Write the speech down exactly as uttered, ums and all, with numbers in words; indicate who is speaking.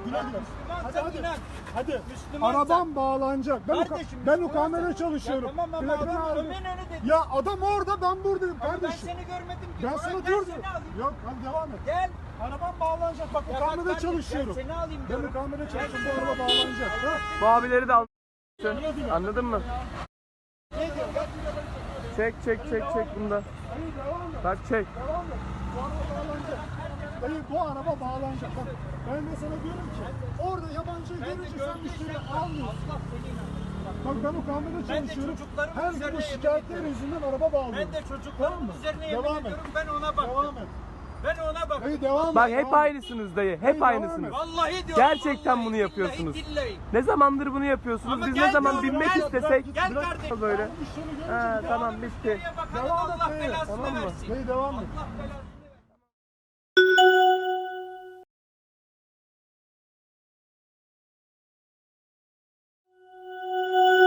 Speaker 1: Güle güle. Hadi hadi.
Speaker 2: inan.
Speaker 1: Hadi.
Speaker 2: Müslümansan.
Speaker 1: Arabam bağlanacak. Ben,
Speaker 2: Kardeşim,
Speaker 1: ben
Speaker 2: Müslümansan.
Speaker 1: ukamede çalışıyorum.
Speaker 2: Ya tamam ama
Speaker 1: Plakanı
Speaker 2: adam
Speaker 1: aldım.
Speaker 2: Ömer'in önü dedi.
Speaker 1: Ya adam orada, ben buradayım
Speaker 2: Ama ben
Speaker 1: kardeşim.
Speaker 2: seni görmedim ki.
Speaker 1: Ben
Speaker 2: Bora,
Speaker 1: sana
Speaker 2: gel
Speaker 1: diyorum.
Speaker 2: seni alayım.
Speaker 1: Yok hadi devam et.
Speaker 2: Gel.
Speaker 1: Arabam bağlanacak. Bak
Speaker 2: Ya bak
Speaker 1: ukamede
Speaker 2: kardeşim,
Speaker 1: çalışıyorum.
Speaker 2: gel seni alayım
Speaker 1: Ben
Speaker 2: diyorum.
Speaker 1: ukamede çalışıyorum. Bu araba bağlanacak. Ha?
Speaker 3: Bu abileri de al. Anladın mı?
Speaker 2: Ne diyor? Bak.
Speaker 3: Çek çek çek çek bunda.
Speaker 1: Hayır devam et.
Speaker 3: Bak çek.
Speaker 1: Devam et. Bu araba bağlanacak. Hayır bu araba bağlanacak. Bak ben de sana diyorum ki orada yabancıyı
Speaker 2: Ben de
Speaker 1: görünce sen müşteri
Speaker 2: gördüysem
Speaker 1: almıyorsun.
Speaker 2: Allah seni inandırsın.
Speaker 1: Bak ben o kamerada
Speaker 2: Ben de
Speaker 1: çalışıyorum.
Speaker 2: çocuklarımın
Speaker 1: Her gün
Speaker 2: üzerine
Speaker 1: bu
Speaker 2: yemin
Speaker 1: şikayetler
Speaker 2: ediyorum.
Speaker 1: yüzünden araba bağlıyorum.
Speaker 2: Ben de çocuklarımın
Speaker 1: Tamam mı?
Speaker 2: üzerine yemin
Speaker 1: Devam et.
Speaker 2: ediyorum. Ben ona baktım.
Speaker 1: Devam et.
Speaker 2: Ben ona baktım.
Speaker 1: Hayır devam et.
Speaker 3: Bak
Speaker 1: devam
Speaker 3: hep
Speaker 1: et.
Speaker 3: aynısınız dayı. Hep
Speaker 1: Hayır, devam
Speaker 3: aynısınız.
Speaker 1: et.
Speaker 2: Vallahi diyorum.
Speaker 3: Gerçekten
Speaker 2: vallahi,
Speaker 3: bunu
Speaker 2: billahi,
Speaker 3: yapıyorsunuz.
Speaker 2: billahi.
Speaker 3: Ne zamandır bunu yapıyorsunuz?
Speaker 2: Ama
Speaker 3: Biz
Speaker 2: gel
Speaker 3: ne zaman
Speaker 2: diyorum,
Speaker 3: binmek
Speaker 2: gel,
Speaker 3: istesek
Speaker 2: Gel kardeşim.
Speaker 3: böyle.
Speaker 1: Ben bu müşteri görünce
Speaker 3: Ha,
Speaker 1: bir
Speaker 3: tamam
Speaker 1: daha-
Speaker 3: bitti.
Speaker 2: Müşteriye bakalım,
Speaker 1: Devam et
Speaker 2: Allah
Speaker 1: dayı,
Speaker 2: belasını
Speaker 3: tamam mı?
Speaker 2: versin.
Speaker 1: Dayı devam et.
Speaker 2: Allah belasını